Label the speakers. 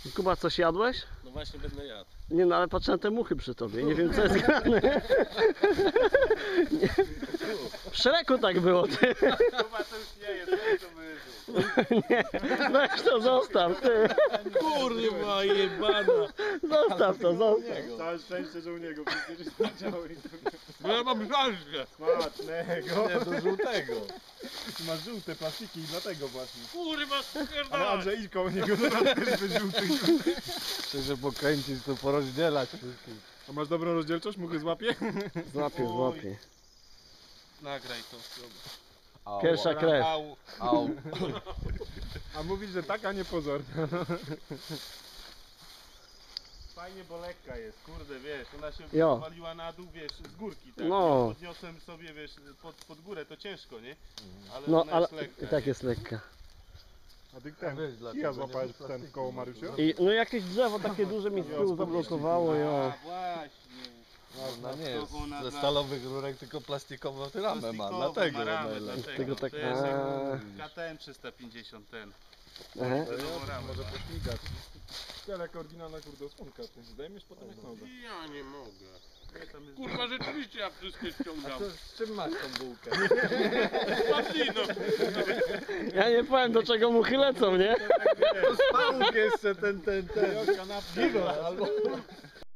Speaker 1: Kuba, coś jadłeś?
Speaker 2: No właśnie będę jadł.
Speaker 1: Nie no, ale patrzę na te muchy przy tobie, nie wiem co jest grane. Nie. W Szreku tak było, ty.
Speaker 3: Kuba to już nie jest, to wyżył.
Speaker 1: Nie, weź to, zostaw, ty.
Speaker 2: Kurwa jebana.
Speaker 1: Zostaw to, zostaw.
Speaker 3: Całe szczęście, że u niego przecież zadziały.
Speaker 2: Bo ja mam żalkę.
Speaker 3: Smacznego.
Speaker 2: Nie, do żółtego.
Speaker 3: Ma żółte plastiki i dlatego właśnie.
Speaker 2: Kurwa
Speaker 3: Ale
Speaker 2: spierdolę.
Speaker 3: Andrzej idź koło niego, zaraz też wyżółty.
Speaker 2: Chcę pokręcić, to porozdzielać wszystkich.
Speaker 3: A masz dobrą rozdzielczość? Muchy złapie?
Speaker 1: Złapię, złapię.
Speaker 2: Nagraj to.
Speaker 1: Pierwsza krew.
Speaker 2: Au.
Speaker 3: A mówisz, że taka niepozorna. Fajnie, bo lekka jest, kurde, wiesz, ona się
Speaker 1: Jo.
Speaker 3: waliła na dół, wiesz, z górki, tak?
Speaker 1: No.
Speaker 3: Ja podniosłem sobie, wiesz, pod górę, to ciężko, nie? Ale
Speaker 1: No,
Speaker 3: ona
Speaker 1: ale
Speaker 3: jest lekka.
Speaker 1: i tak jest lekka.
Speaker 3: A ty ten, kija złapałeś ten w koło Mariusza?
Speaker 1: I no jakieś drzewo takie duże mi z tyłu zablokowało, jo.
Speaker 3: Właśnie.
Speaker 2: Ona nie jest
Speaker 3: ona
Speaker 2: ze
Speaker 3: dla-
Speaker 2: stalowych rurek, tylko plastikową ramę ma, dlatego
Speaker 3: ma ramę,
Speaker 2: ona jest.
Speaker 1: Tego tak-
Speaker 3: To jest
Speaker 1: a.
Speaker 3: KTM 350 ten.
Speaker 1: Aha.
Speaker 3: Nową ramę.
Speaker 4: Może pośmigać. Skoro jak oryginalna kurde osłonka, ty zdejmiesz potem jak nowe.
Speaker 2: Ja nie mogę.
Speaker 3: Nie, tam jest-
Speaker 2: Kurwa rzeczywiście ja wszystkie ściągam.
Speaker 4: Z czym masz tą bułkę?
Speaker 2: Płatino.
Speaker 1: Ja nie powiem do czego muchy lecą, nie?
Speaker 4: Spałuk jeszcze ten.
Speaker 3: Kanapka.
Speaker 4: Albo